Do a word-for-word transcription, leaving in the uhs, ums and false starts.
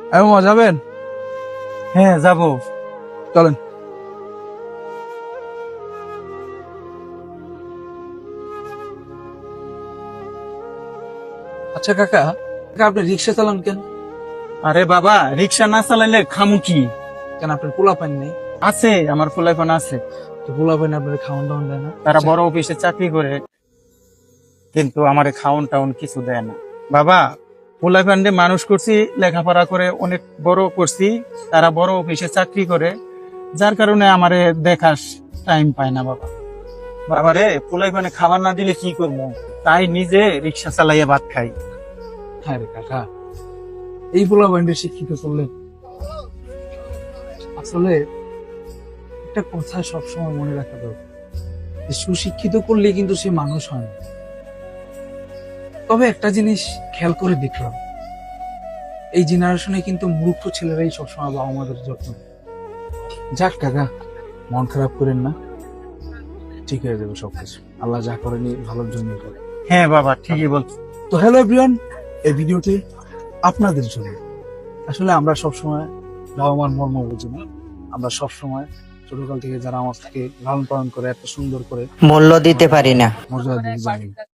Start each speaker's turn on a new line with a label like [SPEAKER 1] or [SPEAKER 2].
[SPEAKER 1] এমন যাবেন?
[SPEAKER 2] হ্যাঁ যাবো।
[SPEAKER 1] চলেন। আচ্ছা কাকা, কাকা আপনি রিক্সা চালান কেন?
[SPEAKER 2] আরে বাবা, রিক্সা না চালাইলে খামু কি?
[SPEAKER 1] কেন আপনার পোলা পান নেই?
[SPEAKER 2] আছে, আমার ফুলাইফোন আছে।
[SPEAKER 1] তো পোলা পান আপনার খাওয়ান দাওয়ান দেয় না?
[SPEAKER 2] তারা বড় অফিসে চাকরি করে, কিন্তু আমার খাওন টাউন কিছু দেয় না। বাবা, ফুলাইফোন দিয়ে মানুষ করছি, লেখাপড়া করে অনেক বড় করছি, তারা বড় অফিসে চাকরি করে, যার কারণে আমারে দেখাস টাইম পায় না বাবা। বাবা রে, ফুলাইফোনে খাবার না দিলে কি করবো, তাই নিজে রিক্সা চালাইয়া ভাত খাই।
[SPEAKER 1] হ্যাঁ রে কাকা, এই পোলা পানটা শিক্ষিত করলেন। আসলে একটা কথা সবসময় মনে রাখা দরকার, যে সুশিক্ষিত করলে কিন্তু সে মানুষ হয় না। তবে একটা জিনিস খেয়াল করে দেখলাম, এই জেনারেশনে কিন্তু মূর্খ ছেলেরাই সবসময় বাবা মাদের যত্ন নেয়। যাক কাকা, মন খারাপ করেন না, ঠিক হয়ে যাবে সবকিছু। আল্লাহ যা করেনি ভালোর জন্য করে।
[SPEAKER 2] হ্যাঁ বাবা, ঠিকই বলছো।
[SPEAKER 1] তো হ্যালো এভরিওয়ান, এই ভিডিওটি আপনাদের জন্য। আসলে আমরা সবসময় বাবা মার মর্ম বুঝি না। আমরা সবসময় ছোটকাল থেকে যারা আমার থেকে লালন পালন করে এত সুন্দর করে
[SPEAKER 3] মূল্য দিতে পারি না।
[SPEAKER 1] মর্যাদা দিয়ে জানি।